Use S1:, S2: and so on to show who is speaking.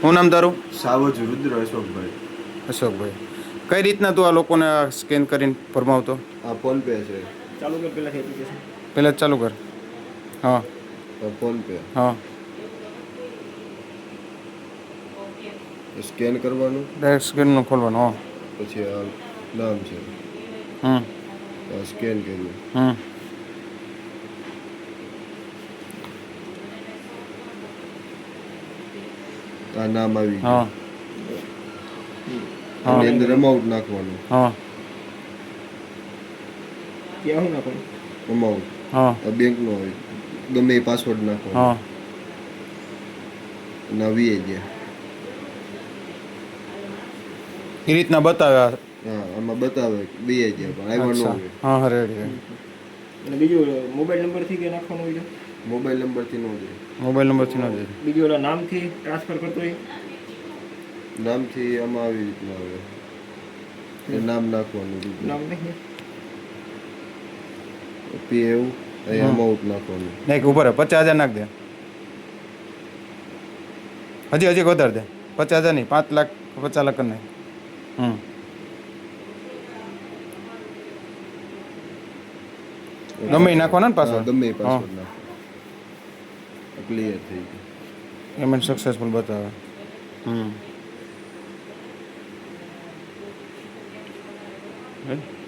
S1: શું નામ તારું?
S2: સાવજ રુદ્ર અશોકભાઈ.
S1: અશોકભાઈ, કઈ રીતના તું આ લોકોને સ્કેન કરીને ફરમાવતો?
S2: આ ફોન પે છે.
S3: ચાલુ કર પહેલાં એપ્લિકેશન.
S1: પહેલાં જ ચાલુ કર. હા
S2: ફોન પે
S1: હા,
S2: સ્કેન કરવાનું,
S1: ડાયરેક્ટ સ્કેનનું ખોલવાનું. હા
S2: પછી આ નામ છે,
S1: હમ
S2: આ સ્કેન કર્યું,
S1: હમ
S2: આ નામ આવી
S1: હા
S2: ગયું.
S1: હા
S2: આની અંદર અમાઉન્ટ નાખવાનું.
S1: હા
S3: ક્યાં હું નાખું?
S2: અમાઉન્ટ
S1: હા
S2: આ બેંકનો હોય, ગમે એ પાસવર્ડ નાખવાનો.
S1: હા,
S2: અને આ વીએ ગયા.
S1: એ રીતના બતાવ્યા.
S2: હા, આમાં બતાવે બે ગયા પણ આવ્યા ન
S1: અચ્છા,
S2: હોય.
S1: હા હા, રેડી.
S3: અને બીજું મોબાઈલ નંબરથી કે નાખવાનું હોય છે?
S2: મોબાઈલ નંબરથી ન જાય.
S1: મોબાઈલ નંબરથી ન જાય.
S3: બીજું ઓલા નામથી ટ્રાન્સફર કરતો હોય?
S2: નામથી આમાં આવી રીતના આવે, એ નામ નાખવાનું.
S3: નામ નહીં
S2: પી એવું અહીં અમાઉન્ટ નાખવાનું.
S1: નહીં, ઉપર 50,000 નાખ દે. હજી વધારે દે. 50,000 નહીં, 5 લાખ 50 લાખ કરી નાખ. ગમે એ નાખવાના ને પાસવર્ડ?
S2: ગમે એ પાસવર્ડ નાખો, ક્લિયર થઈ ગયું.
S1: પેમેન્ટ સક્સેસફુલ બતાવે. હમ